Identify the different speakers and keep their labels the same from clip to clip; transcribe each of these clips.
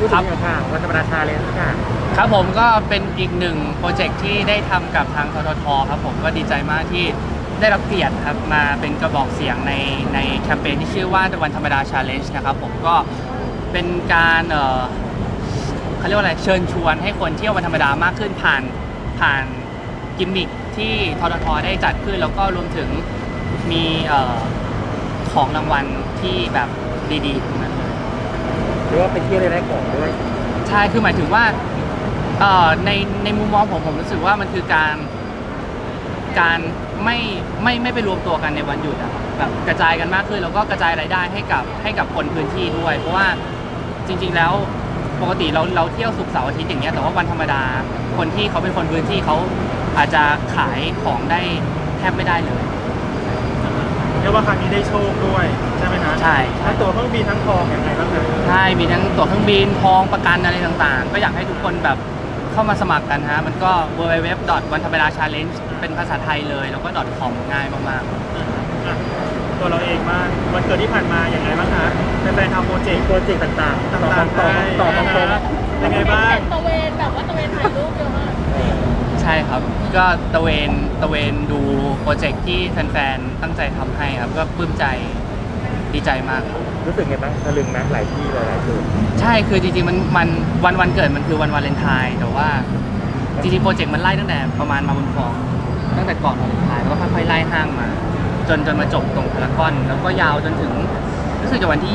Speaker 1: พูดถึงอย่างค่ะวันธรรมดาชาเลนจ์ค่ะ
Speaker 2: ครับผมก็เป็นอีกหนึ่งโปรเจกต์ที่ได้ทำกับทางทททครับผมก็ดีใจมากที่ได้รับเกียรติครับมาเป็นกระบอกเสียงในแคมเปญที่ชื่อว่าวันธรรมดาชาเลนจ์นะครับผมก็เป็นการเขาเรียกว่าอะไรเชิญชวนให้คนเที่ยววันธรรมดามากขึ้นผ่านกิมมิคที่ทททได้จัดขึ้นแล้วก็รวมถึงมีของรางวัลที่แบบดีๆทั้งนั้นเลย
Speaker 1: หรือว่าไปเที่ยวได้ของด้วย
Speaker 2: ใช่คือหมายถึงว่าในมุมมองผมรู้สึกว่ามันคือการไม่ไปรวมตัวกันในวันหยุดอะแบบกระจายกันมากขึ้นแล้วก็กระจายรายได้ให้กับคนพื้นที่ด้วยเพราะว่าจริงๆแล้วปกติเราเที่ยวศุกร์เสาร์อาทิตย์อย่างเงี้ยแต่ว่าวันธรรมดาคนที่เขาเป็นคนพื้นที่เขาอาจจะขายของได้แทบไม่ได้เลย
Speaker 3: เรียกว่าครั้งนี้ได้โชคด้วยใช่ไหมฮะ
Speaker 2: ใช่
Speaker 3: ทั้งตั๋วเครื่องบินทั้งทองอย่างไรบ้างคะ
Speaker 2: ใช่มีทั้งตั๋วเครื่องบินทองประกันอะไรต่างๆก็อยากให้ทุกคนแบบเข้ามาสมัครกันฮะมันก็ www.wanthambeda.challenge เป็นภาษาไทยเลยแล้วก็ .com ง่ายมาก
Speaker 3: ๆตัวเราเองมากวันเกิดที่ผ่านมาอย่างไรบ้างคะแฟนๆทำโปรเจกต์
Speaker 1: ต่างๆ
Speaker 3: ต่อยังไงบ้าง
Speaker 4: ตะเวนแบบว่าตะเวนถ่ายรูปเยอะมาก
Speaker 2: ใช่ครับก็ตะเวนดูโปรเจกต์ที่แฟนๆตั้งใจทำให้ครับก็ปลื้มใจดีใจมาก
Speaker 1: รู้สึกไงบ้างตะลึงนะหลายที่หลายจุด
Speaker 2: ใช่คือจริงๆมันวันเกิดมันคือวันวาเลนไทน์แต่ว่าจริงๆโปรเจกต์มันไล่ตั้งแต่ประมาณมาบุญครองตั้งแต่ก่อนวาเลนไทน์แล้วก็ค่อยๆไล่ห้างมาจนมาจบตรงพารากอนแล้วก็ยาวจนถึงรู้สึกจะวันที่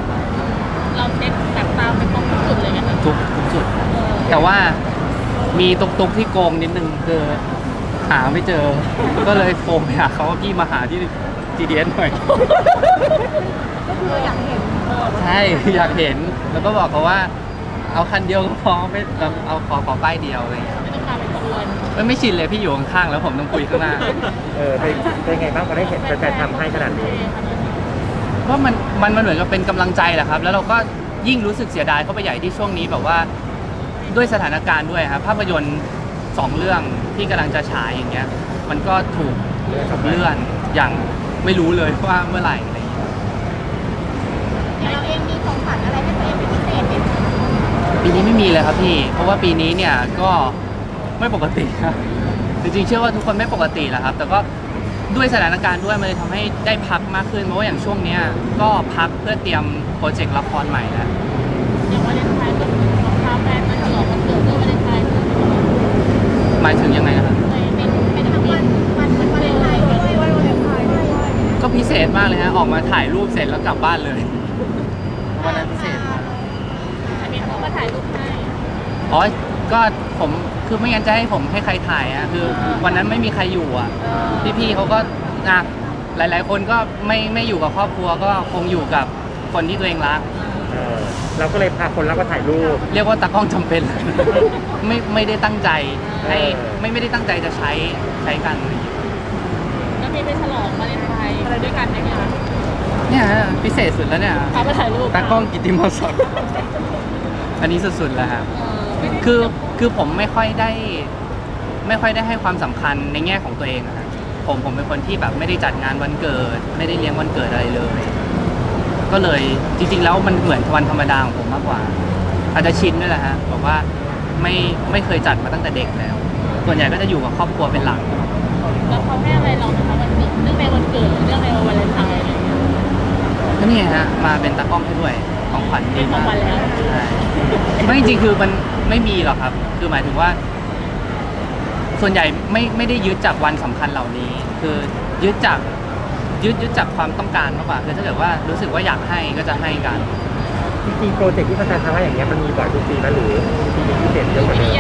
Speaker 2: 20
Speaker 4: เราเช็คแบบตามไปตรงทุกจุดเลยไหมคะ
Speaker 2: ทุกจุดแต่ว่ามีตุกที่โกงนิดนึงคือหาไม่เจอก็เลยโทรไปหาเขาว่าพี่มาหาที่ GDS หน่อย
Speaker 4: ก็คืออยากเห็น
Speaker 2: ใช่อยากเห็นแล้วก็บอกเขาว่าเอาคันเดียวก็พอไม่เอาขอป้ายเดียวอะไรอย่างเงี้ย
Speaker 4: ไม่ต้องพาไปขบวน
Speaker 2: ไม่ชินเลยพี่อยู่ข้างๆแล้วผมต้องคุยข้างหน้า
Speaker 1: เป็นไงบ้างพอได้เห็นแฟนๆทำให้ขนาดนี้
Speaker 2: ว่ามันเหมือนกับเป็นกำลังใจแหละครับแล้วเราก็ยิ่งรู้สึกเสียดายเข้าไปใหญ่ที่ช่วงนี้แบบว่าด้วยสถานการณ์ด้วยครับภาพยนตร์2 เรื่องที่กำลังจะฉายอย่างเงี้ยมันก็ถูกเลื่อนอย่างไม่รู้เลยว่าเมื่อไหร่อะไรอย่างเงี้ย
Speaker 4: เราเองมีของขวัญอะไรให้ตัวเองเป็นพิเศษไหม
Speaker 2: ปีนี้ไม่มีเลยครับพี่เพราะว่าปีนี้เนี่ยก็ไม่ปกติครับจริงๆเชื่อว่าทุกคนไม่ปกติแหละครับแต่ก็ด้วยสถานการณ์ด้วยมันเลยทำให้ได้พักมากขึ้นเพราะว่าอย่างช่วงนี้ก็พักเพื่อเตรียมโปรเจกต์ละครใหม่แล้ว
Speaker 4: อย่างวาเลนไทน์ก็คือของพาแฟนมาฉลองวันเกิดด้วยวาเลนไทน์
Speaker 2: หมายถึงยังไงครับ
Speaker 4: เป็นทั้งวันวาเลนไทน์ด้วยวันวาเลนไทน์ด้วย
Speaker 2: ก็พิเศษมากเลยฮะออกมาถ่ายรูปเสร็จแล้วกลับบ้านเลยวันนั้นพิเศษ
Speaker 4: มีเขามาถ่ายรูปให้
Speaker 2: อ๋อก็ผมคือไม่งั้นจะให้ผมให้ใครถ่ายอ่ะคือวันนั้นไม่มีใครอยู่อ่ะพี่ๆเขาก็หลายๆคนก็ไม่อยู่กับครอบครัวก็คงอยู่กับคนที่ตัวเองรัก
Speaker 1: เราก็เลยพาคนรักมาถ่ายรูป
Speaker 2: เรียกว่าตากล้องจำเป็นไม่ได้ตั้งใจให้ไม่ได้ตั้งใจจะใช้กัน
Speaker 4: แล้วมีไปฉลองวาเลนไทน์อะไรด้วยกันไหมคะ
Speaker 2: เนี่ยพิเศษสุดแล้วเนี่ย
Speaker 4: พาไปถ่ายรูป
Speaker 2: ตากล้องกิตติมศักดิ์อันนี้สุดๆแล้วครับคือผมไม่ค่อยได้ให้ความสำคัญในแง่ของตัวเองนะผมเป็นคนที่แบบไม่ได้จัดงานวันเกิดไม่ได้เลี้ยงวันเกิดอะไรเลยก็เลยจริงๆแล้วมันเหมือนวันธรรมดาของผมมากกว่าอาจจะชินด้วยแหละฮะบอกว่าไม่เคยจัดมาตั้งแต่เด็กแล้วส่วนใหญ่ก็จะอยู่กับครอบครัวเป็นหลัก
Speaker 4: แล้วเขาให้อะไรเราคะวันเกิดเรื่องในวันเกิดเรื่องในวันวาเลนไทน์อะไรอย่างเงี้ย
Speaker 2: ก็นี่ฮะมาเป็นตากล้องให้ด้วยของขวัญ
Speaker 4: ดีมากแล้ว
Speaker 2: ไม่จริงๆคือมันไม่มีหรอกครับคือหมายถึงว่าส่วนใหญ่ไม่ได้ยึดจากวันสำคัญเหล่านี้คือยึดจากความต้องการมากกว่าคือถ้าเกิดว่ารู้สึกว่าอยากให้ก็จะให้กัน
Speaker 1: จริงๆโปรเจกต์ที่แฟนๆทำให้อย่างเงี้ยมันมีบ่อยทุกปีไหมหรือปีนี้พิเศษเยอะกว่านี้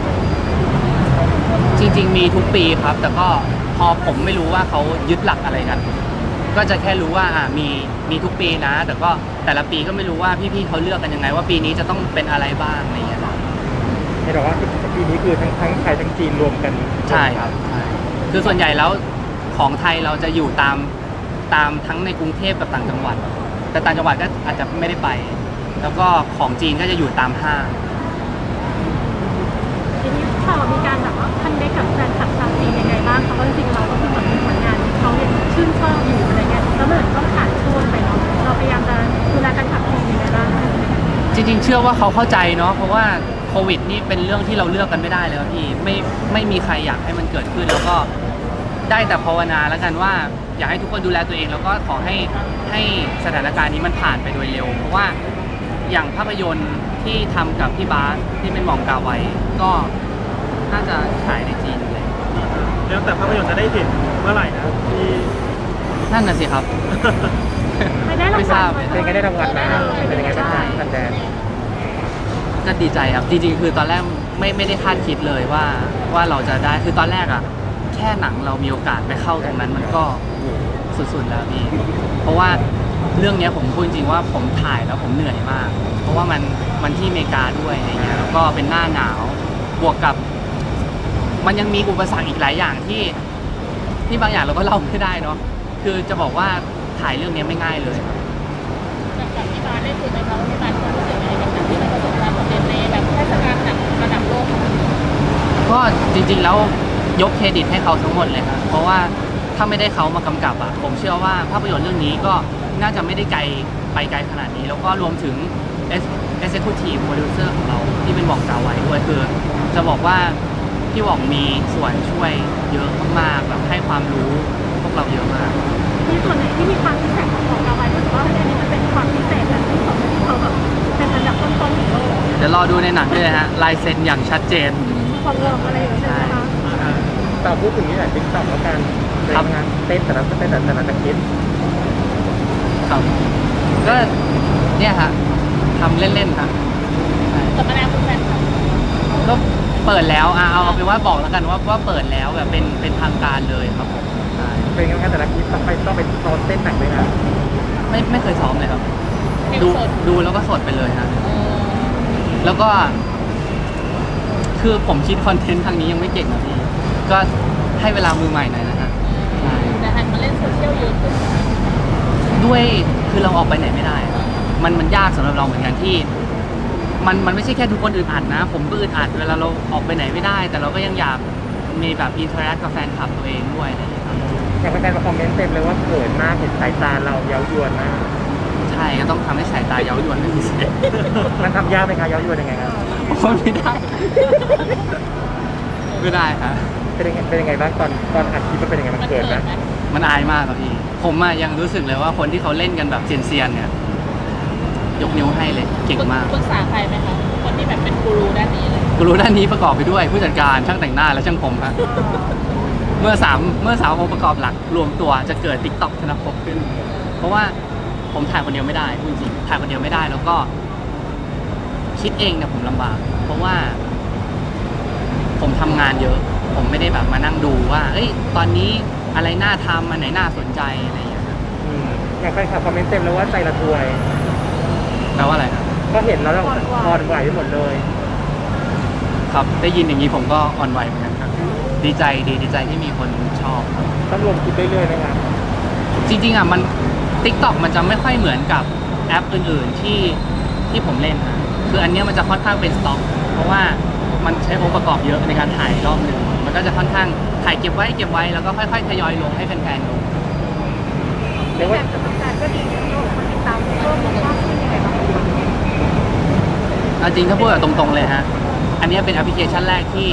Speaker 2: จริงๆมีทุกปีครับแต่ก็พอผมไม่รู้ว่าเขายึดหลักอะไรกันก็จะแค่รู้ว่ามีทุกปีนะแต่ก็แต่ละปีก็ไม่รู้ว่าพี่ๆเขาเลือกกันยังไงว่าปีนี้จะต้องเป็นอะไรบ้างอะไรอย่างเงี้ย
Speaker 1: ให้เราว่าปีนี้คือทั้งไทยทั้งจีนรวมกัน
Speaker 2: ใช่ครับใช่คือส่วนใหญ่แล้วของไทยเราจะอยู่ตามทั้งในกรุงเทพกับต่างจังหวัดแต่ต่างจังหวัดก็อาจจะไม่ได้ไปแล้วก็ของจีนก็จะอยู่ตามห้าง
Speaker 4: ทีนี้ข่าวมีการแบบว่าคันเด็กกับแฟนคลับชาวจีนยังไงบ้างเพราะว่าจริงๆเราก็คือเหมือนผลงานเขายังชื่นชอบอยู่อะไรเงี้ยแล้วเหมือนต้องผ่านช่วงไปเนาะเราพยายามจะดูแลการขับจีนยังไงบ้าง
Speaker 2: จริงๆเชื่อว่าเขาเข้าใจเนาะเพราะว่าโควิดนี่เป็นเรื่องที่เราเลือกกันไม่ได้เลยครับพี่ไม่มีใครอยากให้มันเกิดขึ้นแล้วก็ได้แต่ภาวนาแล้วกันว่าอยากให้ทุกคนดูแลตัวเองแล้วก็ขอให้สถานการณ์นี้มันผ่านไปโดยเร็วเพราะว่าอย่างภาพยนตร์ที่ทำกับพี่บาสที่เป็นหม่องกาไว้ก็น่าจะฉายในจีนเลย
Speaker 3: แล้วแต่ภาพยนตร์จะได้เห็นเมื่อไหร่นะที่
Speaker 2: นั่นน่ะสิครับ
Speaker 4: ไม่ได้ราง
Speaker 2: ไม่ท
Speaker 4: วั
Speaker 2: รา
Speaker 4: ล
Speaker 2: บเลย
Speaker 1: เป็นไงได้รางวัลมาเป็นยังไงบ้างคะแฟน
Speaker 2: ก็ดีใจครับจริงๆคือตอนแรกไม่ได้คาดคิดเลยว่าเราจะได้คือตอนแรกอะแค่หนังเรามีโอกาสไปเข้าตรงนั้นมันก็โอ้โหสุดๆแล้วพี่เพราะว่าเรื่องเนี้ยผมพูดจริงๆว่าผมถ่ายแล้วผมเหนื่อยมาก เพราะว่ามันที่อเมริกาด้วยอะไรเงี้ยแล้วก็เป็นหน้าหนาวบวกกับ มันยังมีอุปสรรคอีกหลายอย่างที่บางอย่างเราก็เล่าไม่ได้เนาะคือจะบอกว่าถ่ายเรื่องนี้ไม่ง่ายเลยครับ
Speaker 5: กับที่บ้านได้คุยไหมคะว่าที่บ้านรู้สึกยังไงกับหนังที่มันประสบความสำเร็จในแบบเทศกาลหนังระดับโลกของมัน
Speaker 2: ก็จริงๆแล้วยกเครดิตให้เขาทั้งหมดเลยครับเพราะว่าถ้าไม่ได้เขามากำกับอะผมเชื่อว่าภาพยนตร์เรื่องนี้ก็น่าจะไม่ได้ไปไกลขนาดนี้ แล้วก็รวมถึง Executive Producer ของเราที่เป็นหว่องกาไว้ด้วยคือจะบอกว่าพี่หว่องมีส่วนช่วยเยอะมากๆแบบให้ความรู้พวกเราเยอะมาก
Speaker 4: มีส่วนไหนที่มีความพิเศษของเราไว้รู้สึกว่าอันนี้มันเป็นความพิเศษแบบที่เขาแบบเป็นอันดับต้นๆของโลก
Speaker 2: เดี๋ยวรอดูในหนังด้วยนะฮะลายเซ็นอย่างชัดเจน
Speaker 4: ความเริ่มอะไรอย่างเงี้ยใช่ไหมคะ
Speaker 1: ๆต่อพูดถึงนี่แหละติ๊กต็อกแล้วกันเป็นงานเต้นแต่ละตะคิด
Speaker 2: ครับก็เนี่ยฮะทำเล่นๆครับใช่
Speaker 5: กับมานาคุณแฟนคลับ
Speaker 2: ก็เปิดแล้วเอาเป็นว่าบอกแล้วกันว่าเปิดแล้วแบบเป็นทางการเลยครับผมใช่
Speaker 1: เป็นงานแต่ละคลิปต้องไปซ้อมเต้นหนักเลยนะ
Speaker 2: ไม่เคยซ้อมเลยครับ
Speaker 5: เพลง
Speaker 2: ดู
Speaker 5: สด
Speaker 2: ดูแล้วก็สดไปเลยฮะ
Speaker 5: เออ
Speaker 2: แล้วก็ คือผมคิดคอนเทนต์ทางนี้ยังไม่เก่งนะพี่ก็ให้เวลามือใหม่หน่อยนะฮะใช่
Speaker 5: แต่หันมาเล่นโซเชียลเยอะขึ้น
Speaker 2: ด้วยคือเราออกไปไหนไม่ได้อะมันยากสำหรับเราเหมือนกันที่ มันไม่ใช่แค่ทุกคนอึดอัดนะ ผมก็อึดอัดเวลาเราออกไปไหนไม่ได้ แต่เราก็ยังอยากมีแบบอินเทอร์แอคกับแฟนคลับตัวเองด้วยอะไรอย่างเงี้ยครับ
Speaker 1: อย่างแฟนๆมาคอมเมนต์เต็มเลยว่าเขินมากเห็นสายตาเราเย้ายวนมาก
Speaker 2: ใช่ก็ต้องทำให้สายตาเย้ายวนเป็นพิเศษ
Speaker 1: มันทำยากไหมคะเย้ายวนยังไงครับ
Speaker 2: โอ้ยไม่ได้ ไม่ได้ครับ
Speaker 1: เป็นยังไงบ้างตอนอัดคลิปมันเป็นยังไงมัน
Speaker 5: มัน
Speaker 1: เขิ
Speaker 5: เกิ
Speaker 1: น
Speaker 5: ด
Speaker 1: ไหม
Speaker 5: ไหม
Speaker 2: มันอายมากครับพี่ ผมอะยังรู้สึกเลยว่าคนที่เขาเล่นกันแบบเซียนๆเนี่ย ยกนิ้วให้เลย เก่งมาก
Speaker 5: ปรึกษาใครไหมคะคนที่แบบเป็นกูรูด้านนี้เลย
Speaker 2: กูรู้ด้านนี้ประกอบไปด้วยผู้จัดการช่างแต่งหน้าและช่างผมครับเมื่อสามองค์ประกอบหลักรวมตัวจะเกิด TikTok ธนภพขึ้น เพราะว่าผมถ่ายคนเดียวไม่ได้พูดจริงๆถ่ายคนเดียวไม่ได้แล้วก็คิดเองเนี่ยผมลำบาก เพราะว่า ผมทำงานเยอะ ผมไม่ได้แบบมานั่งดูว่า เอ้ย ตอนนี้อะไรน่าทำอันไหนน่าสนใจอะไรอย่างเงี้ยครับ
Speaker 1: อย่างแฟนคลับคอมเมนต์เต็มเลยว่าใจละทวย
Speaker 2: แปลว่าอะไรครับ
Speaker 1: ก็เห็นแล้วเราพอนไหวไปหมดเลย
Speaker 2: ครับ ได้ยินอย่างนี้ผมก็อ่อนไหวเหมือนกันครับ ดีใจที่มีคนชอบครับ
Speaker 1: ต้องรวมคลิปเรื่อยๆไหมครับ
Speaker 2: จริงๆอ่ะมัน TikTok มันจะไม่ค่อยเหมือนกับแอปอื่นๆที่ผมเล่นนะคืออันเนี้ยมันจะค่อนข้างเป็นสต็อก เพราะว่ามันใช้องค์ประกอบเยอะในการถ่ายรอบหนึ่งมันก็จะค่อนข้างถ่ายเก็บไว้แล้วก็ค่อยๆทยอยลงให้แฟนๆดู
Speaker 1: เรียกว่า
Speaker 4: แต่ก็ดีนะคนติดตามเพิ่มมากขึ้นยังไงบ้าง
Speaker 2: เอาจริงถ้าพูดแบบตรงๆเลยฮะ อันเนี้ยเป็นแอปพลิเคชันแรกที่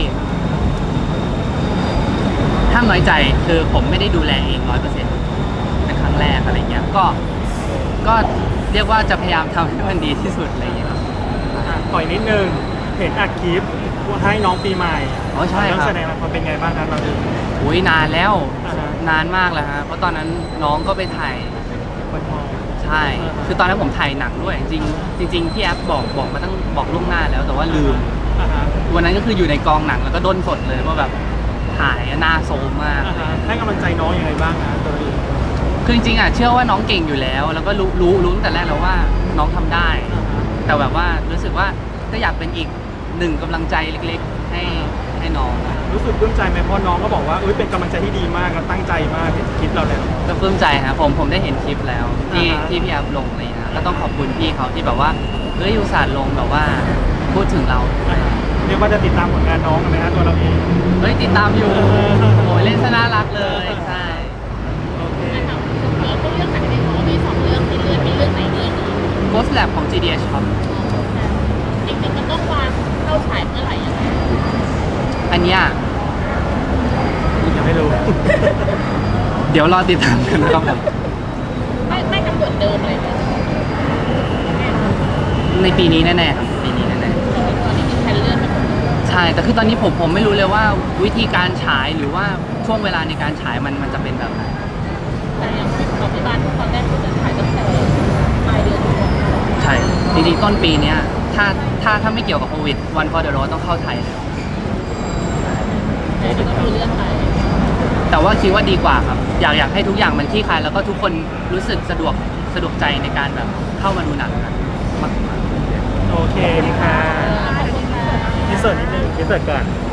Speaker 2: ห้ามน้อยใจคือผมไม่ได้ดูแลเอง100%เป็นครั้งแรกอะไรเงี้ยก็เรียกว่าจะพยายามทำให้มันดีที่สุดอะไรเงี้ยครับ
Speaker 3: ปล่อยนิดนึงเห็นอัดคลิปให้น้องปีใหม่
Speaker 2: อ๋อใช่
Speaker 3: เรื่อง
Speaker 2: ครับ
Speaker 3: แสดงละครเป็นไงบ้างครับเราดู
Speaker 2: อุ้ยนานแล้ว
Speaker 3: อ่าฮะ
Speaker 2: นานมากแล้วฮะเพราะตอนนั้นน้องก็ไปถ่าย
Speaker 3: คนทอง
Speaker 2: ใช่
Speaker 3: อ่าฮะ
Speaker 2: คือตอนนั้นผมถ่ายหนังด้วย จริงๆพี่แอปบอกมาตั้งบอกล่วงหน้าแล้วแต่ว่าลืม
Speaker 3: อ่าฮะ
Speaker 2: วันนั้นก็คืออยู่ในกองหนังแล้วก็ด้นสดเลยว่าแบบถ่ายหน้าโซมมาก
Speaker 3: อ่าฮะให้กำลังใจน้องยังไงบ้างนะตัวเอง
Speaker 2: คือจริงๆอ่ะเชื่อว่าน้องเก่งอยู่แล้ว แล้วก็รู้ตั้งแต่แรกแล้วว่าน้องทำได้
Speaker 3: อ่าฮะ
Speaker 2: แต่แบบว่ารู้สึกว่าก็อยากเป็นอีกหนึ่งกำลังใจเล็กๆ ให้น้อง
Speaker 3: รู้สึกปลื้มใจไหมเพราะน้องก็บอกว่าเป็นกำลังใจที่ดีมากและตั้งใจมากเห็นคลิปเราแล้ว
Speaker 2: ก็ปลื้มใจฮะผมได้เห็นคลิปแล้วที่
Speaker 3: อ่าฮะ
Speaker 2: ที่พี่แอฟลงอะไรอย่างเลยนะก็ต้องขอบคุณพี่เขาที่แบบว่าเฮ้ยอุตส่าห์ลงแบบว่าพูดถึงเรา
Speaker 3: อ่าฮะเรียกว่าจะติดตามผลงานน้องกันไหมฮะตัวเราเอง
Speaker 2: เฮ้ยติดตาม อยู่
Speaker 3: เออ
Speaker 2: โอ้ยเล่นซะน่ารักเลยใช่
Speaker 3: โอเค
Speaker 5: นะคะแล้วก็เรื่องหนังในหมอมี2 เรื่องที่เลื่อนมีเรื่องไหนเลื่อนอีก
Speaker 2: Ghost Lab ของ GDH ครับเนี้ย
Speaker 1: ยังไม่รู้
Speaker 2: เดี๋ยวรอติดตามกันนะครับผม
Speaker 5: ไม่กำหนดเดิมเลยนะ
Speaker 2: ในปีนี้แน่ๆครับปีนี้แน่
Speaker 5: ตอนนี้มีแผนเลื่อนไปหมดเลย
Speaker 2: ๆใช่แต่คือตอนนี้ผมไม่รู้เลยว่าวิธีการฉายหรือว่าช่วงเวลาในการฉายมันจะเป็นแบบไหน
Speaker 5: แต่อย่างของที่บ้านตอนแรกคือจะถ่ายตั้งแต่ปลายเดือนตุลาคม
Speaker 2: ใช่จริงๆต้นปีเนี้ยถ้าไม่เกี่ยวกับโควิดวันฟอร์เดอร์โรต้องเข้าไทยแล้ว
Speaker 5: แต่ก็คือเลื่อนไป
Speaker 2: แต่ว่าคิดว่าดีกว่าครับอยากให้ทุกอย่างมันคลี่คลายแล้วก็ทุกคนรู้สึกสะดวกใจในการแบบเข้ามาดูหนังกันมาก
Speaker 3: โอเคค่ะ
Speaker 5: ขอบคุณค่ะ
Speaker 3: อินเสิร์ตนิดนึง
Speaker 1: พิเศษก่อน